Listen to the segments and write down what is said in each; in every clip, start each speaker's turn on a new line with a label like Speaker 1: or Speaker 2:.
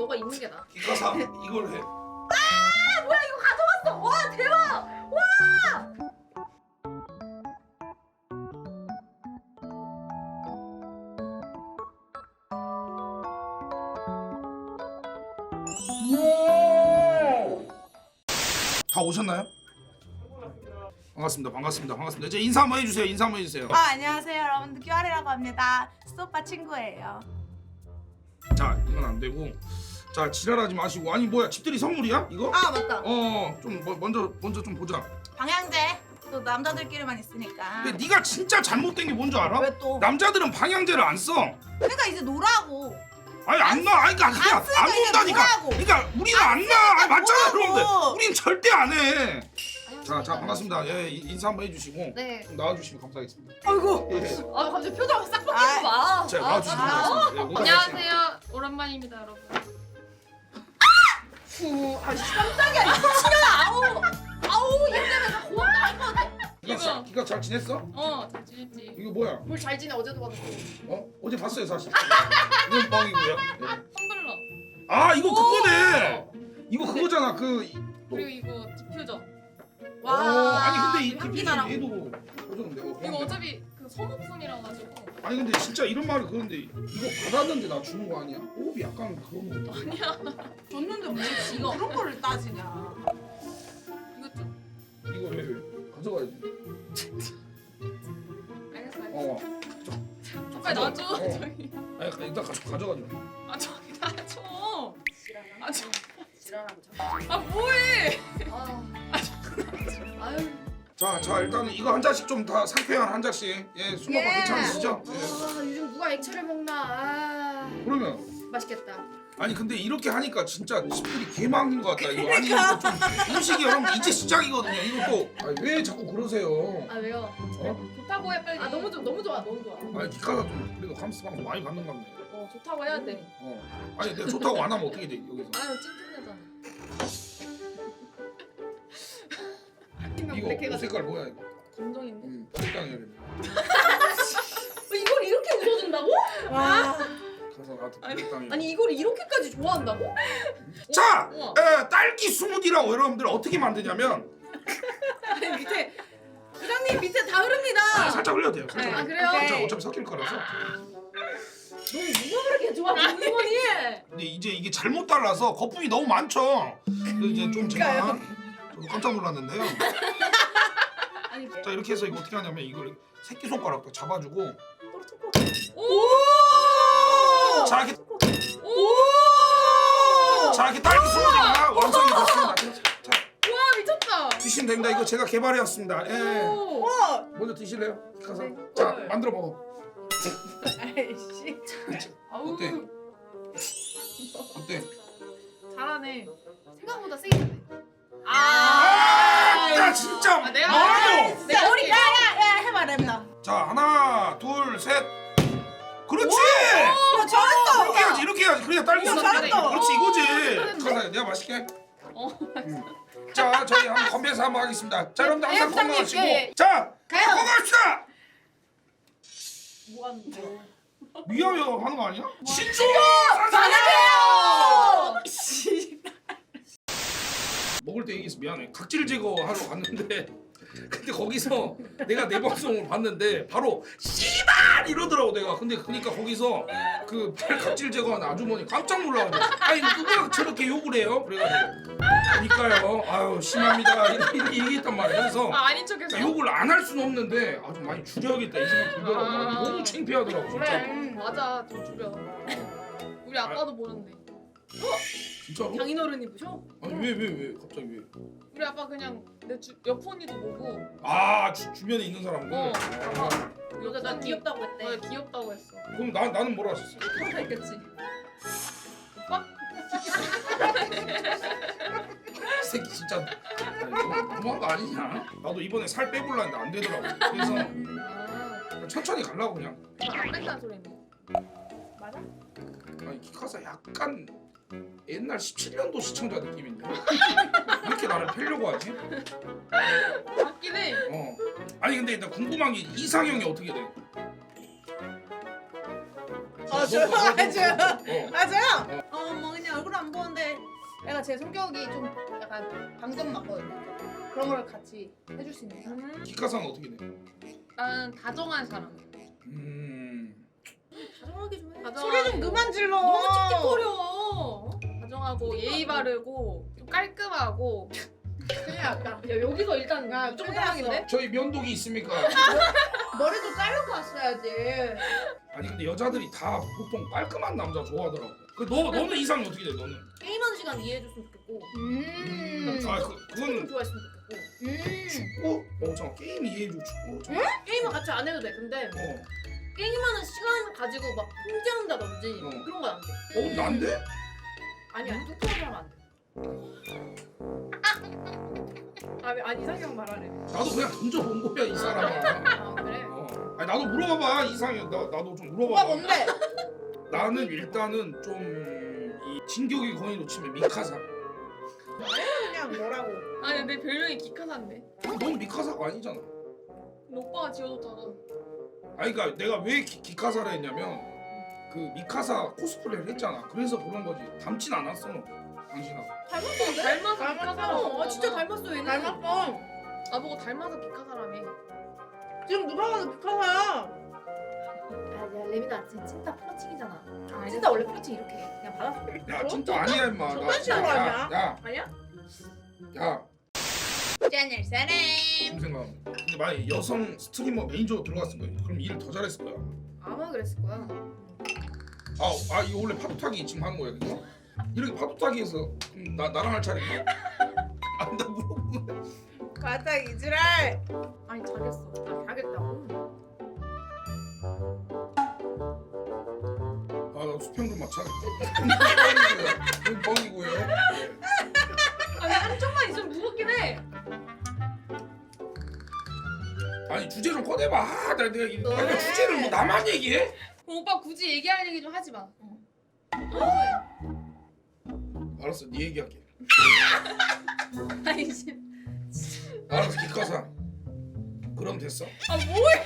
Speaker 1: 너가 있는 게 나아.
Speaker 2: 기가사 이걸 해.
Speaker 1: 아 뭐야 이거 가져왔어. 와 대박. 와.
Speaker 2: 다 오셨나요? 반갑습니다. 반갑습니다. 반갑습니다. 이제 인사 한번 해주세요. 인사 한번 해주세요.
Speaker 3: 안녕하세요 여러분들 큐아리라고 합니다. 수오빠 친구예요.
Speaker 2: 자 이건 안 되고, 자 지랄하지 마시고. 아니 뭐야 집들이 선물이야 이거?
Speaker 3: 아 맞다.
Speaker 2: 좀 먼저 좀 보자.
Speaker 3: 방향제 또 남자들끼리만 있으니까.
Speaker 2: 근데 네가 진짜 잘못된 게 뭔 줄 알아?
Speaker 3: 왜 또?
Speaker 2: 남자들은 방향제를 안 써.
Speaker 3: 그러니까 이제 놀라고.
Speaker 2: 아니 안 나. 아니 그러니까 그냥
Speaker 3: 쓰니까
Speaker 2: 안
Speaker 3: 이제
Speaker 2: 논다니까.
Speaker 3: 뭐라고.
Speaker 2: 그러니까 우리는 안 나. 아니 맞잖아
Speaker 3: 뭐라고.
Speaker 2: 그런데 우린 절대 안 해. 자 반갑습니다. 예 인사 한번 해주시고
Speaker 1: 네.
Speaker 2: 좀 나와주시면 감사하겠습니다.
Speaker 3: 아이고.
Speaker 2: 예.
Speaker 1: 아 갑자기 표정 싹
Speaker 3: 아,
Speaker 1: 바뀌지 마.
Speaker 2: 자 나와주시면
Speaker 1: 아,
Speaker 2: 감사하겠습니다. 예, 모두
Speaker 4: 안녕하세요. 오랜만입니다, 여러분.
Speaker 1: 아씨 깜짝이야. 미친년아. 아우 얘 때문에 나 고원 나갈 것 같아.
Speaker 2: 이거 기가 잘 지냈어?
Speaker 4: 잘 지냈지.
Speaker 2: 이거 뭐야?
Speaker 1: 뭘 잘 지내 어제도 봤고.
Speaker 2: 어제 봤어요 사실. 이건 뻥이고요. 예.
Speaker 4: 텀블러.
Speaker 2: 아 이거 그거네. 이거 그거잖아
Speaker 4: 그리고 이거 디퓨저.
Speaker 3: 와.
Speaker 2: 아니 근데 이
Speaker 3: 향기
Speaker 2: 디퓨저
Speaker 3: 나라고.
Speaker 2: 얘도 보자면 내가
Speaker 4: 이거 어차피 그 소모품이라 가지고.
Speaker 2: 아니 근데 진짜 이런 말을 그런데 이거 받았는데 나 주는 거 아니야? 호흡이 약간 그런 거 같아.
Speaker 3: 줬는데 뭐 지가 그런 거를 따지냐.
Speaker 4: 이거 좀.
Speaker 2: 이거 왜 가져가야지.
Speaker 4: 알겠어. 빨리
Speaker 2: 가져.
Speaker 4: 놔줘.
Speaker 2: 어.
Speaker 4: 저기.
Speaker 2: 아니 일단 가져가자.
Speaker 4: 저기 놔줘. 저.
Speaker 1: 지랄하고 자꾸.
Speaker 4: 아 뭐해?
Speaker 1: 아유.
Speaker 2: 자 일단은 이거 한 잔씩 좀 다 상쾌한 한 잔씩. 예 술 먹고
Speaker 3: 예.
Speaker 2: 괜찮으시죠? 예.
Speaker 1: 요즘 누가 액체를 먹나. 아
Speaker 2: 그러면
Speaker 1: 맛있겠다.
Speaker 2: 아니 근데 이렇게 하니까 진짜 집들이 개망인 것 같다 이거. 아니 이거 좀 음식이 여러분 이제 시작이거든요. 이거 또 아니, 왜 자꾸 그러세요?
Speaker 1: 아 왜요?
Speaker 4: 좋다고 해 빨리.
Speaker 1: 아 너무 좋아 너무 좋아.
Speaker 2: 아니 기카가 좀 그래도 감스 방송 많이 받는 것 같네.
Speaker 4: 좋다고 해야 돼.
Speaker 2: 아니 내가 좋다고 안 하면 어떻게 돼 여기서?
Speaker 4: 아유 찐찐하잖아.
Speaker 2: 이거 옷 색깔 뭐야 이거?
Speaker 4: 감정인데.
Speaker 2: 적당히 해야 돼.
Speaker 1: 이걸 이렇게 웃어준다고?
Speaker 3: 와.
Speaker 2: 가서 나한테 적당히.
Speaker 1: 아니 이걸 이렇게까지 좋아한다고?
Speaker 2: 자,
Speaker 4: 우와.
Speaker 2: 딸기 스무디라고 여러분들 어떻게 만드냐면
Speaker 1: 아니 밑에 부장님 밑에 다 흐릅니다.
Speaker 2: 살짝 흘려도 돼요. 살짝.
Speaker 1: 아 그래요?
Speaker 3: 오케이.
Speaker 2: 어차피 섞일 거라서.
Speaker 1: 너 누가 그렇게 좋아 먹는 거니?
Speaker 2: 근데 이제 이게 잘못 달라서 거품이 너무 많죠. 그래서 이제 좀 제가 저도 깜짝 놀랐는데요.
Speaker 1: 아니
Speaker 2: 자 이렇게 해서 이거 어떻게 하냐면 이걸 새끼 손가락도 잡아주고
Speaker 4: 오!
Speaker 2: 자 이렇게
Speaker 4: 오!
Speaker 2: 자 이렇게 딸기 스무디가 완성이 됐습니다. 자
Speaker 4: 와 미쳤다.
Speaker 2: 드시면 됩니다. 이거 제가 개발해왔습니다. 예.
Speaker 4: 오.
Speaker 2: 먼저 드실래요? 가서.
Speaker 1: 네.
Speaker 2: 자 만들어 먹어.
Speaker 3: 아이씨.
Speaker 4: 아우.
Speaker 2: 어때? 어때?
Speaker 4: 잘하네.
Speaker 1: 생각보다 세게 돼.
Speaker 2: 아, 진짜.
Speaker 4: 아, 내가
Speaker 2: 뭐하노?
Speaker 4: 내가
Speaker 3: 야 우리 야야야 해봐 렘나.
Speaker 2: 자 하나 둘 셋. 그렇지.
Speaker 3: 야 잘했다.
Speaker 2: 이렇게 해야지 이렇게 해야지. 그래야 딸기
Speaker 3: 오,
Speaker 2: 소스.
Speaker 3: 잘했다.
Speaker 2: 그렇지 이거지. 가자 내가 맛있게. 자 저희 한번 건배사 한번 하겠습니다. 자 여러분들 항상
Speaker 1: 부장님,
Speaker 2: 건강하시고.
Speaker 1: 예.
Speaker 2: 자
Speaker 1: 가요.
Speaker 2: 건강합시다.
Speaker 1: 뭐 하는 거야?
Speaker 2: 위하여 하는 거 아니야? 신조 먹을 때 얘기해서 미안해. 각질 제거하러 갔는데 근데 거기서 내가 내 방송을 봤는데 바로 씨발 이러더라고 내가. 근데 그러니까 거기서 그 각질 제거하는 아주머니 깜짝 놀라가지고 아니 누가 저렇게 욕을 해요? 그래가지고 그러니까요. 아유 심합니다. 이렇게 얘기했단 말이야. 그래서
Speaker 4: 아닌 척했어.
Speaker 2: 욕을 안 할 수는 없는데 아주 많이 줄여야겠다 이 생각 들더라고.
Speaker 4: 아.
Speaker 2: 너무 창피하더라고 진짜.
Speaker 4: 그래. 맞아. 좀 줄여. 우리 아빠도 보는데.
Speaker 2: 진짜로?
Speaker 1: 장인어른이 보셔?
Speaker 2: 아니 왜 갑자기 왜?
Speaker 4: 우리 아빠 그냥 내 옆 언니도 보고.
Speaker 2: 아 주변에 있는 사람들.
Speaker 4: 아빠.
Speaker 1: 여자 나 귀엽다고 했대.
Speaker 4: 어, 귀엽다고 했어.
Speaker 2: 그럼 나는 뭐라 하셨어?
Speaker 1: 그렇다 했겠지.
Speaker 4: 오빠?
Speaker 2: 이 새끼 진짜 아니, 너무한 거 아니냐? 나도 이번에 살 빼볼라 했는데 안 되더라고. 그래서
Speaker 4: 아.
Speaker 2: 천천히 가려고 그냥.
Speaker 4: 안 뺀다는 소리네.
Speaker 3: 맞아?
Speaker 2: 아니 키카사 약간 옛날 17년도 시청자 느낌인데 이렇게 나를 패려고 하지?
Speaker 4: 맞긴 해.
Speaker 2: 아니 근데 나 궁금한 게 이상형이 어떻게 돼?
Speaker 3: 저요?
Speaker 2: 너, 너, 너, 너,
Speaker 3: 맞아요.
Speaker 2: 어.
Speaker 3: 맞아요. 뭐 그냥 얼굴 안
Speaker 4: 제가 제 성격이 좀 약간 방금 맞거든요. 그런 걸 같이 해줄 수 있는 사람.
Speaker 2: 기카사는 어떻게 돼?
Speaker 4: 나는 다정한 사람.
Speaker 1: 다정하게 좀 해.
Speaker 4: 소리 좀 그만
Speaker 3: 질러.
Speaker 1: 너무 찝찝거려.
Speaker 4: 다정하고 예의 바르고 좀 깔끔하고. 그냥 약간 야, 여기서 일단
Speaker 3: 야,
Speaker 4: 무조건
Speaker 3: 큰일
Speaker 4: 사랑이네.
Speaker 2: 저희 면도기 있습니까?
Speaker 3: 머리도 자르고 왔어야지.
Speaker 2: 아니 근데 여자들이 다 보통 깔끔한 남자 좋아하더라고. 너는 이상이 어떻게 돼? 너는?
Speaker 1: 게임하는 시간 이해해줬으면 좋겠고.
Speaker 2: 그거는
Speaker 1: 좋아했으면 좋겠고.
Speaker 2: 축구? 잠깐 게임 이해해줘 축구.
Speaker 1: 게임은 같이 안 해도 돼. 근데 게임하는 시간 가지고 막 통제한다든지 그런 건 안 돼.
Speaker 2: 난데?
Speaker 1: 아니야. 뚝뚝하게 하면 안 돼.
Speaker 4: 아니 이상형 말하래.
Speaker 2: 나도 그냥 던져본 거야 이 사람아.
Speaker 1: 아 그래?
Speaker 2: 아니 나도 물어봐봐 이상형 나도 좀
Speaker 3: 오빠
Speaker 2: 물어봐봐.
Speaker 3: 뭔데?
Speaker 2: 나는 일단은 좀 이 진격의 거인으로 치면 미카사.
Speaker 3: 그냥 뭐라고?
Speaker 4: 아니 내 별명이 기카사인데.
Speaker 2: 넌 미카사가 아니잖아.
Speaker 4: 오빠가 지어줬잖아.
Speaker 2: 아니 그러니까 내가 왜 기카사를 했냐면 그 미카사 코스프레를 했잖아. 그래서 그런 거지. 닮진 않았어 당신하고.
Speaker 1: 닮았던데?
Speaker 4: 닮아서
Speaker 3: 닮았어.
Speaker 4: 기카사라고.
Speaker 1: 진짜 닮았어 얘는.
Speaker 3: 닮았어.
Speaker 4: 나보고 닮아서 기카사라며.
Speaker 3: 지금 누가 봐도 미카사야.
Speaker 1: 야 레미나 진짜 플러팅이잖아.
Speaker 4: 아니,
Speaker 1: 진짜 원래 플러팅 이렇게 해. 그냥 받아.
Speaker 2: 야 진짜 아니야 임마.
Speaker 3: 저딴 거 아니야?
Speaker 1: 아니야?
Speaker 2: 야
Speaker 3: 짠을 사람.
Speaker 2: 지금 생각하면. 근데 만약에 여성 스트리머 메인저로 들어갔을 거야. 그럼 일을 더 잘했을 거야.
Speaker 4: 아마 그랬을 거야.
Speaker 2: 이거 원래 파도타기 지금 하는 거야 그거? 이렇게 파도타기에서 그럼 나랑 할 차례인가? 나 물어보네.
Speaker 3: 맞아 이지랄.
Speaker 1: 아니 잘했어. 잘하겠다고.
Speaker 2: 나 수평 좀 맞춰. 좀 뻥이고요.
Speaker 1: 아니 한쪽만 있으면 무겁긴 해.
Speaker 2: 아니 주제 좀 꺼내봐. 내가 주제를 뭐 나만 얘기해?
Speaker 4: 오빠 굳이 얘기할 얘기 좀 하지 마.
Speaker 2: 알았어, 네 얘기할게.
Speaker 4: 아니 씨.
Speaker 2: 알았어, 기카사. 그럼 됐어.
Speaker 4: 뭐해?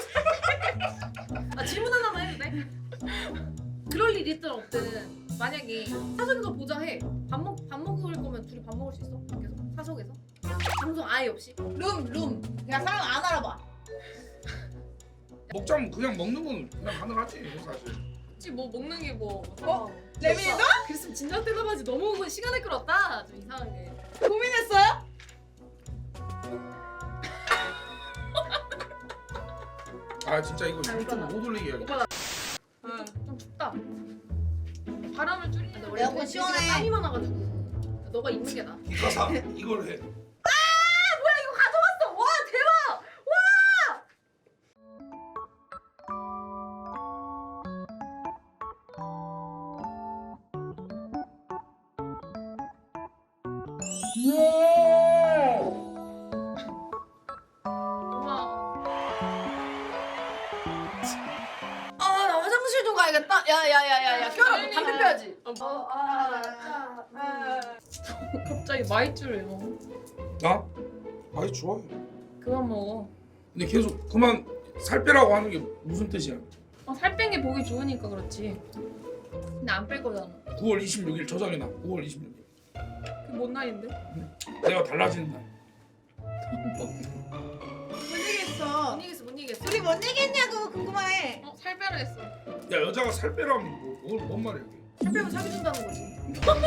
Speaker 1: 질문 하나만 해도 돼? 그럴 일 있든 없든 만약에 사석에서 보자 해. 밥 먹을 거면 둘이 밥 먹을 수 있어? 밖에서? 사석에서? 방송 아예 없이?
Speaker 3: 룸. 그냥 사람 안 알아봐.
Speaker 2: 먹자면 그냥 먹는 건 그냥 가능하지 사실.
Speaker 4: 혹시 뭐 먹는 게 뭐?
Speaker 3: 레미도?
Speaker 1: 그랬으면 진작 대답하지. 너무 시간을 끌었다. 좀 이상하게.
Speaker 3: 고민했어요?
Speaker 2: 진짜 이거 유튜브 못 올리게 해야겠다.
Speaker 1: 오빠
Speaker 4: 좀 춥다. 바람을 줄이는
Speaker 1: 원래
Speaker 3: 에어컨 시원해.
Speaker 1: 땀이 많아가지고 너가 입는 게 나아.
Speaker 2: 기카사 이걸 해.
Speaker 1: 이거 가져왔어. 와 대박.
Speaker 4: 고마워.
Speaker 1: 나 화장실 좀 가야겠다. 야야야야야. 껴라. 담배 펴야지.
Speaker 4: 갑자기 마이쮸를 먹어.
Speaker 2: 나? 아이 좋아해.
Speaker 4: 그만 먹어.
Speaker 2: 근데 계속 그만 살 빼라고 하는 게 무슨 뜻이야?
Speaker 4: 살 뺀 게 보기 좋으니까 그렇지. 근데 안 뺄 거잖아.
Speaker 2: 9월 26일 저장해놔. 9월 26일.
Speaker 4: 그 뭔 날인데?
Speaker 2: 내가 달라지는 날.
Speaker 3: 못 얘기했어.
Speaker 1: 못 이기겠어. 못 이기겠어.
Speaker 3: 둘이 뭔 얘기했냐고 궁금해.
Speaker 4: 살 빼라 했어.
Speaker 2: 야 여자가 살 빼라면 뭔 말이야 이게?
Speaker 1: 살 빼면 사기 준다는 거지.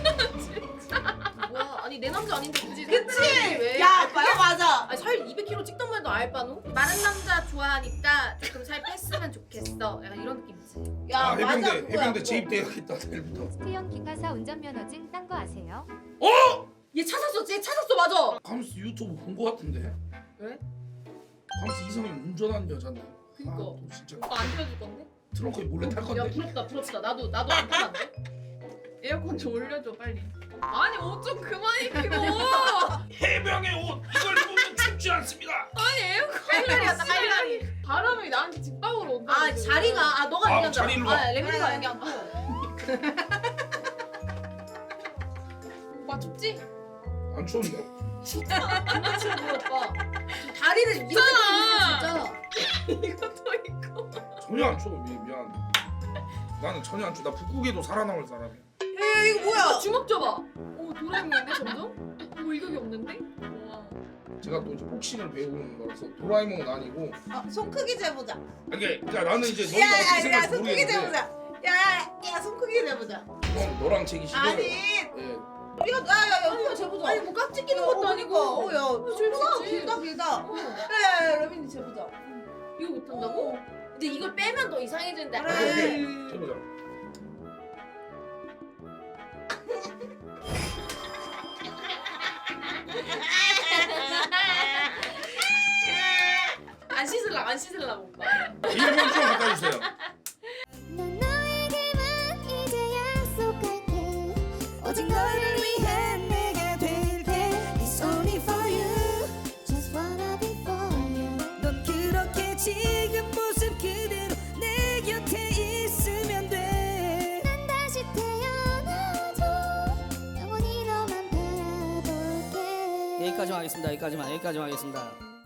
Speaker 1: 뭐야? 아니 내 남자 아닌데 굳이 살
Speaker 3: 그치?
Speaker 1: 빼라는 게 왜?
Speaker 3: 야
Speaker 1: 알바야?
Speaker 3: 그게 맞아.
Speaker 1: 아니 살 200kg 찍던 말도 알바노? 마른 남자 좋아하니까 그럼 살 뺐으면 좋겠어. 약간 이런 느낌이지.
Speaker 3: 야 맞아
Speaker 2: 해병대
Speaker 3: 그거야.
Speaker 2: 해병대 재입대해야겠다 내일부터.
Speaker 5: 스테형 기카사 운전면허증 딴 거 아세요?
Speaker 1: 얘 찾았어. 쟤 찾았어. 맞아.
Speaker 2: 감스 유튜브 본 거 같은데?
Speaker 1: 왜?
Speaker 2: 감스 이성이 운전하는 여잔데.
Speaker 1: 그니까.
Speaker 2: 또 진짜
Speaker 4: 오빠 안 펴줄 건데?
Speaker 2: 트렁크에 몰래 탈
Speaker 1: 야
Speaker 2: 건데.
Speaker 1: 부럽다. 나도 안 타는데.
Speaker 4: 에어컨 좀 올려줘 빨리. 아니 옷 좀 그만 입히고.
Speaker 2: 해병의 옷 이걸 입으면 춥지 않습니다.
Speaker 4: 아니 에어컨.
Speaker 1: 할라리였다 할라리.
Speaker 4: 바람이 나한테 직방으로 온다.
Speaker 1: 아 자리가 너가 얘기한 줄
Speaker 2: 자리 일로 와.
Speaker 1: 알아. 레미가 얘기한 거.
Speaker 4: 오빠 춥지?
Speaker 2: 안 추운데?
Speaker 1: 정말 치워 오빠. 다리를 이렇게
Speaker 4: 있잖아.
Speaker 1: 진짜.
Speaker 4: 이것도 있고.
Speaker 2: 전혀 안 추워. 미안. 나는 전혀 안 추워. 나 북극에도 살아남을 사람이야.
Speaker 3: 야 이거 뭐야?
Speaker 1: 주먹 줘봐. 오
Speaker 4: 도라에몽인데 점점? 뭐 이격이 없는데? 와.
Speaker 2: 제가 또 이제 복싱을 배우는 거라서 도라에몽은 아니고
Speaker 3: 손 크기 재보자.
Speaker 2: 그러니까 나는 이제 너희가 어떻게
Speaker 3: 야야야
Speaker 2: 생각할지
Speaker 3: 손 크기
Speaker 2: 모르겠는데
Speaker 3: 재보자. 야야 손 크기 재보자.
Speaker 2: 그건 너랑 재기 싫어요.
Speaker 3: 아니
Speaker 2: 예.
Speaker 3: 이거 야야야 이거 재보자.
Speaker 1: 아니 뭐 깍지 끼는 것도 아니고.
Speaker 3: 야
Speaker 1: 재밌지.
Speaker 3: 길다. 야야야 러빈이 재보자.
Speaker 1: 이거 못한다고? 이제 이걸 빼면 더 이상해지는데.
Speaker 3: 그래.
Speaker 2: 오케이. 해보자.
Speaker 1: 안 씻으려고 안 씻으려고 오빠.
Speaker 2: 1분 좀 바꿔주세요.
Speaker 6: 난 너에게만 이제 약속할게 오직 너를 위해 내가 될게 It's only for you Just wanna be for you 넌 그렇게 지금 모습 그대로 내 곁에 있으면 돼난 다시 태어나도 영원히 너만 바라볼게
Speaker 7: 여기까지만 하겠습니다.